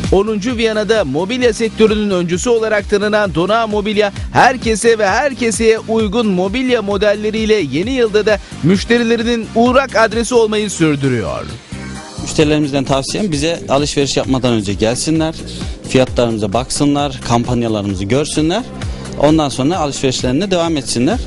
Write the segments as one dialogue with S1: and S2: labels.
S1: 10. Viyana'da mobilya sektörünün öncüsü olarak tanınan Dona Mobilya, herkese ve herkeseye uygun mobilya modelleriyle yeni yılda da müşterilerinin uğrak adresi olmayı sürdürüyor.
S2: Müşterilerimizden tavsiyem bize alışveriş yapmadan önce gelsinler, fiyatlarımıza baksınlar, kampanyalarımızı görsünler. Ondan sonra alışverişlerine devam etsinler.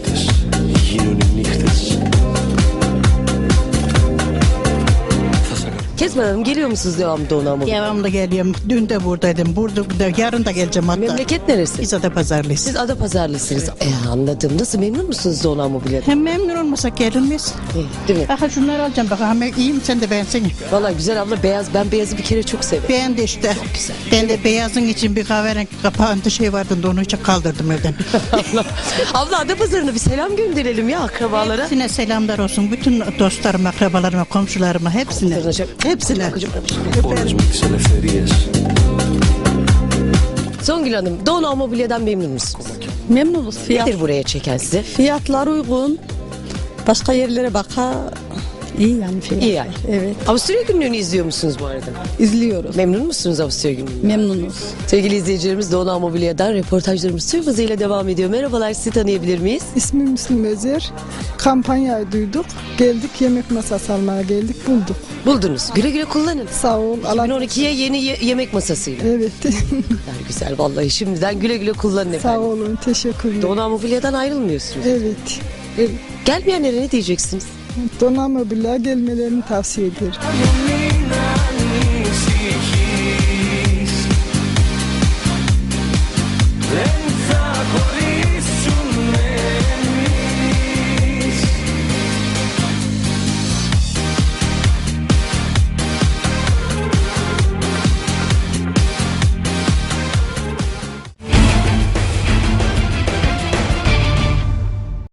S3: Kezban Hanım, geliyor musunuz devamlı Dona Mobilya?
S4: Devamlı geliyorum. Dün de buradaydım. Yarın da geleceğim hatta.
S3: Memleket neresi?
S4: Biz Adapazarlıyız.
S3: Siz Adapazarlısınız. Anladım. Nasıl, memnun musunuz Dona Mobilya'dan?
S4: Hem memnun olmasak gelinmez.
S3: Değil mi?
S4: Aha şunları alacağım bak. Hem iyiyim sen de beğensene.
S3: Vallahi güzel abla, beyaz. Ben beyazı bir kere çok severim.
S4: Beğendi işte.
S3: güzel.
S4: Ben de beyazın için bir kahverengi kapağında şey vardı da onu hiç kaldırdım evden.
S3: Abla, Adapazarı'na bir selam gönderelim ya akrabalara.
S4: Hepsine selamlar olsun. Bütün dostlarıma, akrabalarıma, komşularıma hepsine. Hepsine.
S3: Songül Hanım, Dona Mobilya'dan memnun musunuz?
S5: Memnunuz.
S3: Nedir buraya çeken size?
S5: Fiyatlar uygun. Başka yerlere iyi yani fiyatlar.
S3: İyi yani.
S5: Evet.
S3: Avusturya günlüğünü izliyor musunuz bu arada?
S5: İzliyoruz.
S3: Memnun musunuz Avusturya günlüğünden?
S5: Memnunuz.
S3: Sevgili izleyicilerimiz, Dona Mobilya'dan reportajlarımız tüm hızıyla devam ediyor. Merhabalar, sizi tanıyabilir miyiz?
S6: İsmim Müslüm Özer. Kampanyayı duyduk. Geldik, yemek masası almaya geldik, bulduk.
S3: Buldunuz. Güle güle kullanın.
S6: Sağ ol.
S3: 2012'ye yeni yemek masasıyla.
S6: Evet.
S3: Yani güzel vallahi, şimdiden güle güle kullanın
S6: Sağ
S3: efendim.
S6: olun. Teşekkürler.
S3: Dona Mobilya'dan ayrılmıyorsunuz.
S6: Evet.
S3: Gelmeyenlere ne diyeceksiniz?
S6: Dona Mobilya gelmelerini tavsiye ederim.